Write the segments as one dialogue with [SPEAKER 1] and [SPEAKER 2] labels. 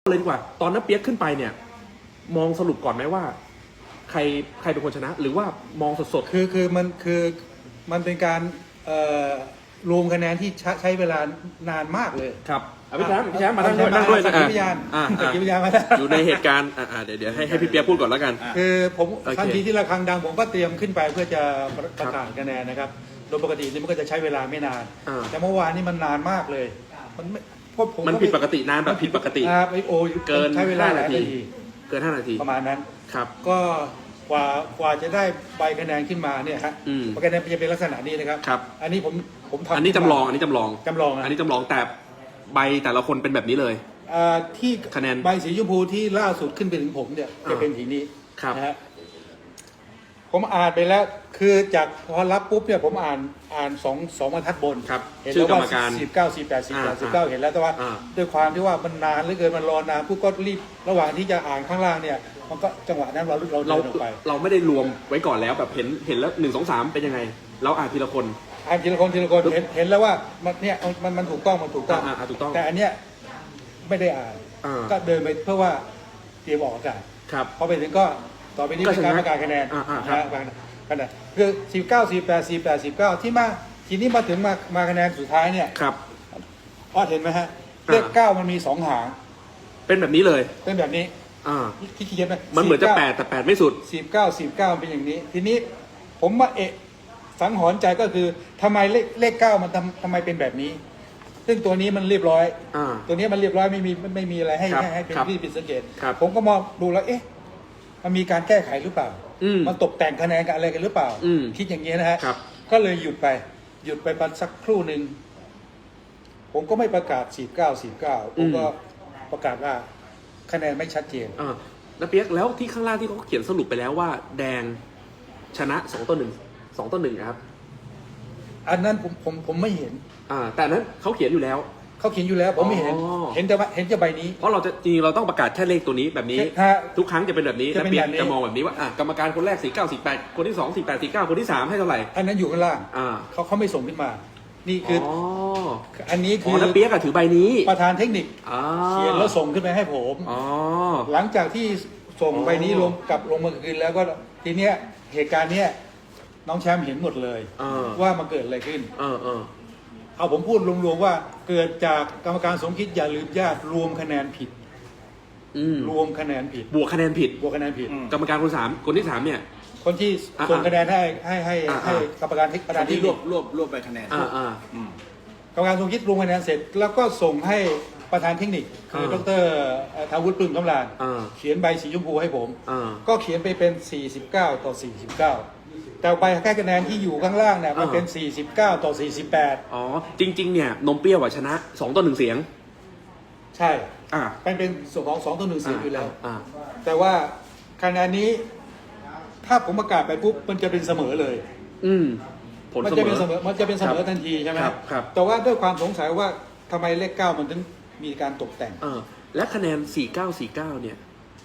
[SPEAKER 1] เลยดีกว่าตอนนั้นเปียกขึ้นไปเนี่ยมองสรุปก่อนไหมว่าใครเป็นคนชนะ หรือว่ามองสดๆ
[SPEAKER 2] คือมันเป็นการรวมคะแนนที่ใช้เวลานานมากเลย
[SPEAKER 1] ครับพี่แชมป์มานั่งด้วย
[SPEAKER 2] สักขีพยานสักขีพยานมาได้
[SPEAKER 1] อยู่ในเหตุการณ์เดี๋ยวให้พี่เปียกพูดก่อนแล้วกัน
[SPEAKER 2] คือผมทันทีที่ระฆังดังผมก็เตรียมขึ้นไปเพื่อจะประกาศคะแนนนะครับโดยปกตินี่มันก็จะใช้เวลาไม่นานแต่เมื่อวานนี้มันนานมากเลย
[SPEAKER 1] มันผิดปกตินานแบบผิดปกติเกิน
[SPEAKER 2] ใช้เวลา
[SPEAKER 1] 5 นาทีเกิน5 นาที
[SPEAKER 2] ประมาณนั้น
[SPEAKER 1] ครับ
[SPEAKER 2] ก็กว่าจะได้ใบคะแนนขึ้นมาเนี่ยฮะคะแนนจะเป็นลักษณะนี้นะครับอันนี้ผมทำ
[SPEAKER 1] อันนี้จำลองแต่ใบแต่ละคนเป็นแบบนี้เลย
[SPEAKER 2] ที่คะแนนใบสีชมพูที่ล่าสุดขึ้นไปถึงผมเนี่ยจะเป็นสีนี้นะฮะผมอ่านไปแล้วคือจากพอรับปุ๊บเนี่ยผมอ่านสองบรรทัดบน
[SPEAKER 1] เห็นแล้วว่า
[SPEAKER 2] 19 48 48 49เห็นแล้วแต่ว่าด้วยความที่ว่ามันนานเหลือเกินมันรอนานปุ๊บก็รีบระหว่างที่จะอ่านข้างล่างเนี่ยมันก็จังหวะนั้นเราเดินออกไป
[SPEAKER 1] เราไม่ได้รวมไว้ก่อนแล้วแบบเห็นแล้ว1 2 3เป็นยังไงเราอ่านทีละคน
[SPEAKER 2] ทีละคนเห็นแล้วว่ามันเนี่ยมันถูกต้องถูกต้องแต่อันเนี้ยไม่ได้อ่านก็เดินไปเพื่อว่าเตรียมออกอากาศพอไปถึงก็ต่อไปนี้เป็นการประกาศคะแนนนะคือ19 48 48 49ที่มาทีนี้มาถึงมาคะแนนสุดท้ายเนี่ยพอเห็นไหมฮะเลข9มันมี2 หาง
[SPEAKER 1] เป็นแบบนี้เลย
[SPEAKER 2] เป็นแบบนี้คิดไหม
[SPEAKER 1] มันเหมือนจะ8แต่8ไม่สุด
[SPEAKER 2] 19เป็นอย่างนี้ทีนี้ผมมาสังหรณ์ใจก็คือทำไมเลข9มันทำไมเป็นแบบนี้ซึ่งตัวนี้มันเรียบร้อยตัวนี้มันเรียบร้อยไม่มีอะไรให้เป็นที่ผิดสังเกตผมก็มองดูแล้วมันมีการแก้ไขหรือเปล่ามันตกแต่งคะแนนกันอะไรกันหรือเปล่าคิดอย่างนี้นะฮะก็เลยหยุดไปสักครู่หนึ่งผมก็ไม่ประกาศ49ผมก็ประกาศว่าคะแนนไม่ชัดเจน
[SPEAKER 1] แล้วเปียกแล้วที่ข้างล่างที่เขาเขียนสรุปไปแล้วว่าแดงชนะ2-1ครับ
[SPEAKER 2] อันนั้นผมไม่เห็น
[SPEAKER 1] แต่นั้นเขาเขียนอยู่แล้ว
[SPEAKER 2] ผมไม่เห็นแต่ใบนี้
[SPEAKER 1] เพราะเราจะจริงเราต้องประกาศแค่เลขตัวนี้แบบนี้ทุกครั้งจะเป็นแบบนี้แล้วเปียกจะมองแบบนี้ว่ากรรมการคนแรก49 48คนที่2 48 49คนที่3ให้เท่าไหร่
[SPEAKER 2] อันนั้นอยู่ข้างล่างเขาไม่ส่งขึ้นมานี่คืออันนี้คือ
[SPEAKER 1] แล้วเปียกถือใบนี้
[SPEAKER 2] ประธานเทคนิคเขียนแล้วส่งขึ้นไปให้ผมหลังจากที่ส่งใบนี้ลงมาคืนแล้วก็ทีเนี้ยเหตุการณ์เนี้ยน้องแชมป์เห็นหมดเลยว่ามันเกิดอะไรขึ้นเอาผมพูดรวมๆว่าเกิดจากกรรมการสมคิดอย่าลืมญาติรวมคะแนนผิดรวมคะแนนผิด
[SPEAKER 1] บวกคะแนนผิดกรรมการคนที่3เนี่ย
[SPEAKER 2] คนที่ส่งคะแนนให้กรรมการประธานที่
[SPEAKER 3] รวบไปคะแนน
[SPEAKER 2] กรรมการสมคิดรวมคะแนนเสร็จแล้วก็ส่งให้ประธานเทคนิคคือดร.ทาวุฒิปลื้มคำลานเขียนใบสีชมพูให้ผมก็เขียนไปเป็น49-49แต่ใบแค่คะแนนที่อยู่ข้างล่างเนี่ยมันเป็น49-48
[SPEAKER 1] จริงๆเนี่ยนมเปรี้ยวชนะ2-1เสียง
[SPEAKER 2] ใช่เป็นส่วนของ2-1เสียงอยู่แล้วแต่ว่าคะแนนนี้ถ้าผมประกาศไปปุ๊บมันจะเป็นเสมอเลยมันจะเป็นเสมอทันทีใช่ไหมครับแต่ว่าด้วยความสงสัยว่าทำไมเลข9มันถึงมีการตกแต่ง
[SPEAKER 1] และคะแนน49-49เนี่ย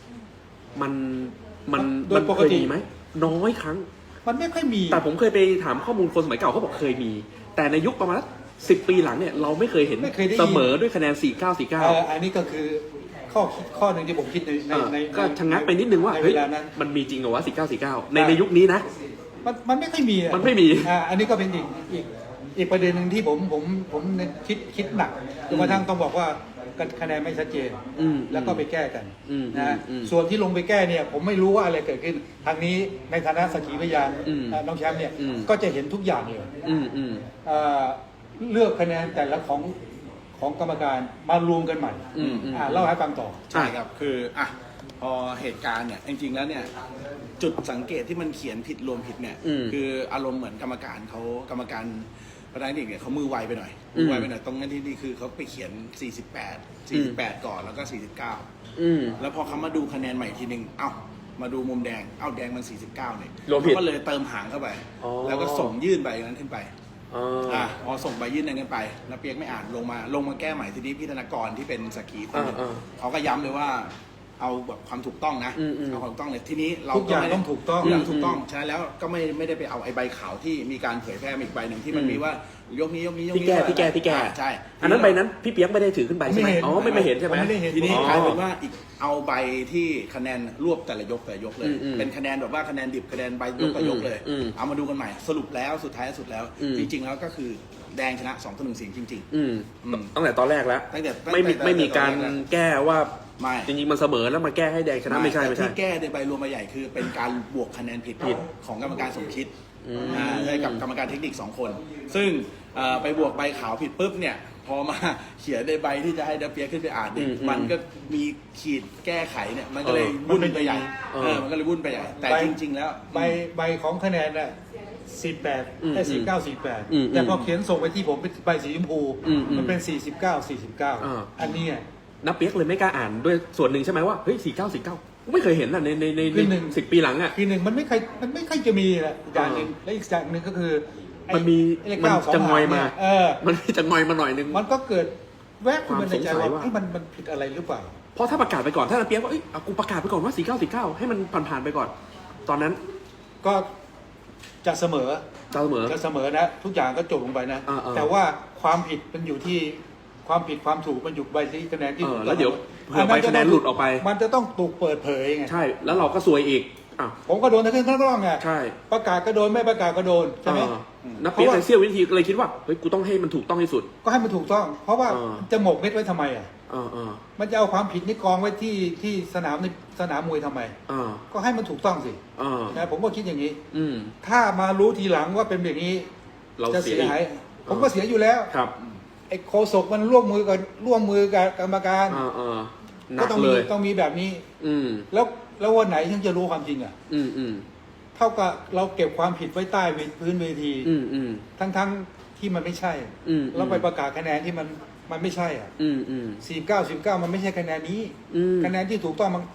[SPEAKER 1] มัน
[SPEAKER 2] โดยปกติ
[SPEAKER 1] ไหมน้อยครั้ง
[SPEAKER 2] มันไม่ค่อยมี
[SPEAKER 1] แต่ผมเคยไปถามข้อมูลคนสมัยเก่าเขาบอกเคยมีแต่ในยุคประมาณ10 ปีหลังเนี่ยเราไม่เคยเห็นเสมอด้วยคะแนน49-49
[SPEAKER 2] อันนี้ก็คือข้อหนึ่งที่ผมคิดใน
[SPEAKER 1] ก็ชะงักไปนิดนึงว่าเฮ้ยมันมีจริงเหรอวะ49-49ในยุคนี้นะ
[SPEAKER 2] มันไม่ค่อยมีอันนี้ก็เป็นอีกประเด็นหนึ่งที่ผมคิดหนักจนกระทั่งต้องบอกว่าคะแนนไม่ชัดเจนแล้วก็ไปแก้กันนะส่วนที่ลงไปแก้เนี่ยผมไม่รู้ว่าอะไรเกิดขึ้นทางนี้ในฐานะสักขีพยานน้องแชมป์เนี่ยก็จะเห็นทุกอย่างเลยเลือกคะแนนแต่ละของกรรมการมารวมกันใหม่เล่าให้ฟังต่อ
[SPEAKER 3] ใช่ครับคือพอเหตุการณ์เนี่ยจริงๆแล้วเนี่ยจุดสังเกตที่มันเขียนผิดรวมผิดเนี่ยคืออารมณ์เหมือนกรรมการประธานเด็กเนี่ยเขามือไวไปหน่อยตรงนั้นที่คือเขาไปเขียน48ก่อนแล้วก็49แล้วพอเขามาดูคะแนนใหม่ทีนึงมาดูมุมแดงแดงมัน49เนี่ยเขาก็เลยเติมหางเข้าไปแล้วก็ส่งยื่นใบนั้นขึ้นไปพอส่งใบยื่นนั้นกันไปแล้วเปียกไม่อ่านลงมาแก้ใหม่ทีนี้พี่ธนกรที่เป็นสักขีพยานเขาก็ย้ำเลยว่าเอาแบบความถูกต้องนะเอาความถูกต้องเลยทีนี้เรา
[SPEAKER 2] ก็ไม่ต้องถูกต้อง
[SPEAKER 3] ฉะนั้นแล้วก็ไม่ได้ไปเอาไอ้ใบขาวที่มีการเผยแพร่อีกใบหนึ่งที่มันมีว่ายกนี้ยกนี้ยก
[SPEAKER 1] ที่
[SPEAKER 3] นี้
[SPEAKER 1] แก้
[SPEAKER 3] ใช่
[SPEAKER 1] อันนั้นใบนั้นพี่เปียกไม่ได้ถือขึ้นไปใช่ไหมอ๋อไม่เห็นใช่ไหม
[SPEAKER 2] ไม่ได้เห็น
[SPEAKER 3] ทีนี้
[SPEAKER 1] อ๋อ
[SPEAKER 3] กลายเป็นว่าอีกเอาใบที่คะแนนรวบแต่ละยกเลย
[SPEAKER 1] อืม
[SPEAKER 3] เป็นคะแนนแบบว่าคะแนนดิบคะแนนใบยกต่อยกเลย
[SPEAKER 1] อืม
[SPEAKER 3] เอามาดูกันใหม่สรุปแล้วสุดท้ายสุดแล้ว
[SPEAKER 1] อืม
[SPEAKER 3] จริง ๆ แล้วก็คือแดงชนะ2-1เสียงจริง
[SPEAKER 1] อืม
[SPEAKER 3] อืม
[SPEAKER 1] ตั้งแต่ตอนแรกแล้ว
[SPEAKER 3] ตั้งแต่
[SPEAKER 1] ไม่มีการแก้ว่า
[SPEAKER 3] ไม่
[SPEAKER 1] จริงๆมันเสมอแล้วมาแก้ให้แดงชนะไม่ใช่
[SPEAKER 3] แต่ที่แก้ในใบรวมใบใหญ่คือเป็นการบวกคะแนนผิดของกรรมการสมคิดให้กับกรรมการเทคนิค2คนซึ่งไปบวกใบขาวผิดปุ๊บเนี่ยพอมาเขียนในใบที่จะให้เดเปียขึ้นไปอ่านเนี่ยมันก็มีขีดแก้ไขเนี่ยมันก็เลยวุ่นไปใหญ่มันก็เลยวุ่นไปใหญ่แต่จริง ๆ แล้ว
[SPEAKER 2] ใบของคะแนนน่ะ48ได้49 48แต่พอเขียนส่งไปที่ผมเป็นใบสีชมพูมันเป็น49 อันนี้
[SPEAKER 1] นับเปียกเลยไม่กล้าอ่านด้วยส่วนหนึ่งใช่ไหมว่าเฮ้ย49ไม่เคยเห็นอ่ะใน
[SPEAKER 2] คือหนึ่ง
[SPEAKER 1] 10 ปีหลังอ่ะ
[SPEAKER 2] ทีหนึ่งมันไม่ค่อยจะมีแหละอย่างหนึ่งและอีกอย่างหนึ่งก็คือไอ้
[SPEAKER 1] มันมี
[SPEAKER 2] เลข
[SPEAKER 1] มัน
[SPEAKER 2] 9 2
[SPEAKER 1] จะงอยมา
[SPEAKER 2] มัน
[SPEAKER 1] มีจะงอยมาหน่อยนึง
[SPEAKER 2] มันก็เกิดแวบขึ้นมาในใจ
[SPEAKER 1] ความสงสัยว่า
[SPEAKER 2] ว่ามันผิดอะไรหรือเปล่า
[SPEAKER 1] เพราะถ้าประกาศไปก่อนถ้านับเปียกว่าเอ้ยเอากูประกาศไปก่อนว่า49ให้มันผ่านไปก่อน ตอนนั้น
[SPEAKER 2] ก็จะเสมอ
[SPEAKER 1] เสมอ
[SPEAKER 2] จะเสมอนะทุกอย่างก็จบลงไปนะ แต่ว่าความผิดมันอยู่ที่ความผิดความถูกมันอยู่ใบที่คะแนนที่ถูก
[SPEAKER 1] แล้วเดี๋ยวเผื่อใบคะแนนหลุดออกไป
[SPEAKER 2] มันจะต้องถูกเปิดเผยไง
[SPEAKER 1] ใช่แล้วเราก็ซวยอีกอ้าว
[SPEAKER 2] ผมก็โดนทั้งขึ้นทั้งร่องไง
[SPEAKER 1] ใช่
[SPEAKER 2] ประกาศก็โดนไม่ประกาศก็โดนใช่ไหม
[SPEAKER 1] นับเปียกในเสี้ยววินาทีเลยคิดว่าเฮ้ยกูต้องให้มันถูกต้องที่สุด
[SPEAKER 2] ก็ให้มันถูกต้อง เพราะว่า
[SPEAKER 1] เออ
[SPEAKER 2] จะหมกเม็ดไว้ทำไมอ่ะ
[SPEAKER 1] เออ
[SPEAKER 2] มันจะเอาความผิดนี่กองไว้ที่สนามในสนามมวยทำไม
[SPEAKER 1] เออ
[SPEAKER 2] ก็ให้มันถูกต้องสิ
[SPEAKER 1] เออ
[SPEAKER 2] นะผมก็คิดอย่างนี้
[SPEAKER 1] อืม
[SPEAKER 2] ถ้ามารู้ทีหลังว่าเป็นแบบนี้
[SPEAKER 1] เรา
[SPEAKER 2] จะ
[SPEAKER 1] เสีย
[SPEAKER 2] เสีย
[SPEAKER 1] อีก
[SPEAKER 2] หายผมก็เสียอยู่แล้ว
[SPEAKER 1] ครับ
[SPEAKER 2] ไอ้โคศกมันร่วมมือกับกรรมการ
[SPEAKER 1] หนั
[SPEAKER 2] ก็
[SPEAKER 1] ก
[SPEAKER 2] ต้อง
[SPEAKER 1] เล
[SPEAKER 2] มี
[SPEAKER 1] ย
[SPEAKER 2] ต้องมีแบบนี้
[SPEAKER 1] อืม
[SPEAKER 2] แล้ววันไหนฉันจะรู้ความจริงอ่ะ
[SPEAKER 1] อืม
[SPEAKER 2] เท่ากับเราเก็บความผิดไว้ใต้พื้นเวที
[SPEAKER 1] อืม
[SPEAKER 2] ทั้งที่มันไม่ใช่ เราไปประกาศคะแนนที่มันไม่ใช่อ่ะ
[SPEAKER 1] อืม
[SPEAKER 2] 49 มันไม่ใช่คะแนนนี้ คะแนนที่ถูกต้องมัน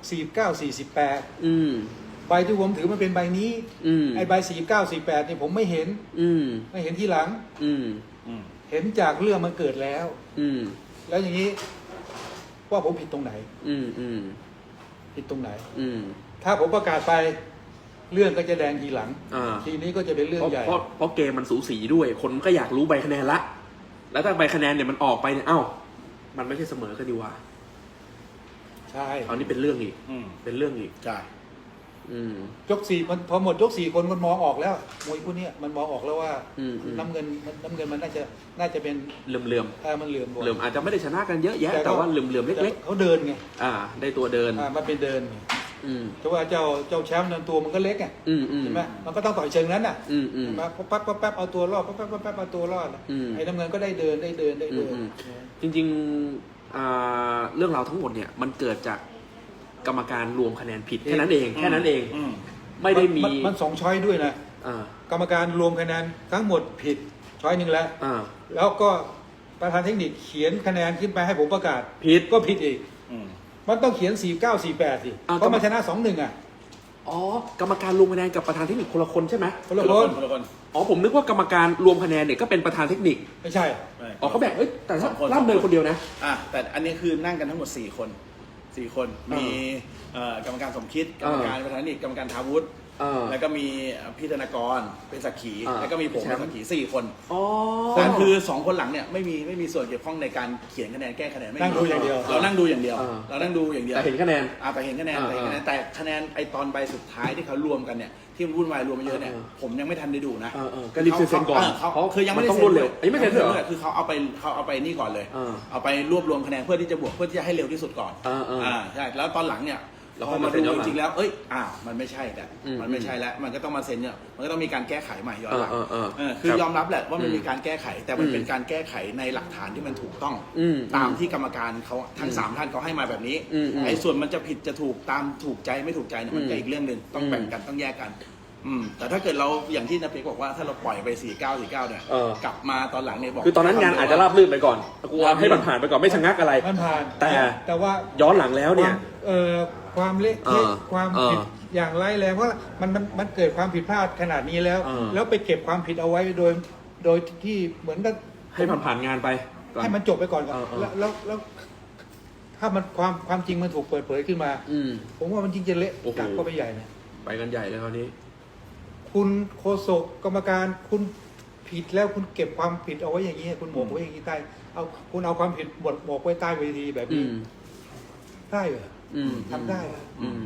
[SPEAKER 2] 49
[SPEAKER 1] อืม
[SPEAKER 2] 48ใบที่ผมถือมันเป็นใบนี้ ไอ้ใบ49 48เนี่ยผมไม่เห็น ไม่เห็นที่หลัง เห็นจากเรื่องมันเกิดแล้ว แล้วอย่างนี้ว่าผมผิดตรงไหน ผิดตรงไหน ถ้าผมประกาศไปเรื่องก็จะแดงทีหลัง ทีนี้ก็จะเป็นเรื่องใหญ่
[SPEAKER 1] เพราะเกมมันสูสีด้วย คนก็อยากรู้ใบคะแนนละ แล้วถ้าใบคะแนนเนี่ยมันออกไปเนี่ยเอ้ามันไม่ใช่เสมอกันดีว่า
[SPEAKER 2] ใช่
[SPEAKER 1] เอานี่เป็นเรื่องอีกเป็นเรื่องอีก
[SPEAKER 3] ใช่
[SPEAKER 2] ยก4มันพอหมดยก4คนมันมองออกแล้วมวยคู่เนี้ยมันมองออกแล้วว่าน้ำเงินมันน่าจะเป็น
[SPEAKER 1] เหลื่อม
[SPEAKER 2] มันเหลื่อม
[SPEAKER 1] อาจจะไม่ได้ชนะกันเยอะแยะแต่ว่าเหลื่อมเล็ก
[SPEAKER 2] ๆเขาเดินไง
[SPEAKER 1] ๆได้ตัวเดิน
[SPEAKER 2] มันเป็นเดินไงแต่ว่าเจ้าแชมป์นั้นตัวมันก็เล็กไงใช่ไหมมันก็ต้องต่อยเชิงนั้นน่ะมาปั๊บเอาตัวรอดปั๊บเอาตัวรอดไอ้น้ำเงินก็ได้เดิน
[SPEAKER 1] จริงๆเรื่องราวทั้งหมดเนี่ยมันเกิดจากกรรมการรวมคะแนนผิดแค่นั้นเองไม่ได้มี
[SPEAKER 2] มัน2ช้อยด้วยนะกรรมการรวมคะแนนทั้งหมดผิดช้อยหนึ่งแล้วแล้วก็ประธานเทคนิคเขียนคะแนนขึ้นไปให้ผมประกาศผิดก็ผิดอีกมันต้องเขียน49 48สิเพราะมันชนะ 2-1อ่ะ
[SPEAKER 1] กรรมการรวมคะแนนกับประธานเทคนิคคนละคนใช่ไหม
[SPEAKER 2] คนละคน
[SPEAKER 1] ผมนึกว่ากรรมการรวมคะแนนเนี่ยก็เป็นประธานเทคนิค
[SPEAKER 2] ไม่ใช่
[SPEAKER 1] เขาแบ่งแต่ล่ำเนินคนเดียวนะ
[SPEAKER 3] แต่อันนี้คือนั่งกันทั้งหมด4 คนมีกรรมการสมคิดกรรมการประธานเทคนิคกรรมการทาวุฒิแล้วก็มีพี่ธนากรเป็นสักขีแล้วก็มีผมเป็นสักขี4 คนแต่คือ2 คนหลังเนี่ยไม่มีส่วนเกี่ยวข้องในการเขียนคะแนนแก้คะแนน
[SPEAKER 2] นั่งดูอย่างเดียว
[SPEAKER 3] เรานั่งดูอย่างเดียว
[SPEAKER 1] แต่เห็นคะแนน
[SPEAKER 3] แต่เห็นคะแนนแต่คะแนนไอตอนใบสุดท้ายที่เขารวมกันเนี่ยที่มันวุ่นวายรวมมาเยอะเนี่ยผมยังไม่ทันได้ดูนะ
[SPEAKER 1] ก็รีบเซ็นก่อน
[SPEAKER 3] เขาคือยังไม่ได้
[SPEAKER 1] ต้อง
[SPEAKER 3] เซ็
[SPEAKER 1] รวดเร็วไม่เซ็นเหรอ
[SPEAKER 3] คือเขาเอาไปนี่ก่อนเลยเอาไปรวบรวมคะแนนเพื่อที่จะบวกเพื่อที่จะให้เร็วที่สุดก่อนใช่แล้วตอนหลังเนี่ยพอมาดูจริงๆแล้วมันไม่ใช่แต่มันไม่ใช่แล้วมันก็ต้องมาเซ็นเนี่ยมันก็ต้องมีการแก้ไขใหม่ย้อนหลังคือยอมรับแหละว่ามันมีการแก้ไขแต่มันเป็นการแก้ไขในหลักฐานที่มันถูกต้องตามที่กรรมการเขาทั้ง3 ท่านเขาให้มาแบบนี้ไอ้ส่วนมันจะผิดจะถูกตามถูกใจไม่ถูกใจเนี่ยมันก็อีกเรื่องนึงต้องแบ่งกันต้องแยกกันแต่ถ้าเกิดเราอย่างที่นภิกบอกว่าถ้าเราปล่อยไป49เนี่ยกลับมาตอนหลังเนี่ยบอก
[SPEAKER 1] คือตอนนั้นงานอาจจะราบรื่นไปก่อนกูให้มันผ่านไปก่อนไม่ชะงักอะไร
[SPEAKER 2] มันผ่านแต่ว่า
[SPEAKER 1] ย้อนหลังแล้วเนี่ย
[SPEAKER 2] ความเละเทะความผิดอย่างร้ายแรงเพราะมันเกิดความผิดพลาดขนาดนี้แล้วไปเก็บความผิดเอาไว้โดยที่เหมือนกับ
[SPEAKER 1] ให้ผ่านงานไป
[SPEAKER 2] ให้มันจบไปก่อนแล้วถ้ามันความจริงมันถูกเปิดเผยขึ้นมาผมว่ามันจริงจะเละหนักก็ไปใหญ่นะ
[SPEAKER 1] ไปกันใหญ่เลยคราวนี้
[SPEAKER 2] คุณโฆษกกรรมการคุณผิดแล้วคุณเก็บความผิดเอาไว้อย่างนี้คุณหมกไว้อย่างนี้ใต้คุณเอาความผิดหมกไว้ใต้เวทีแบบ
[SPEAKER 1] อื
[SPEAKER 2] นี้
[SPEAKER 1] ม
[SPEAKER 2] ได้เหรอทำได้เหรอ
[SPEAKER 1] อืม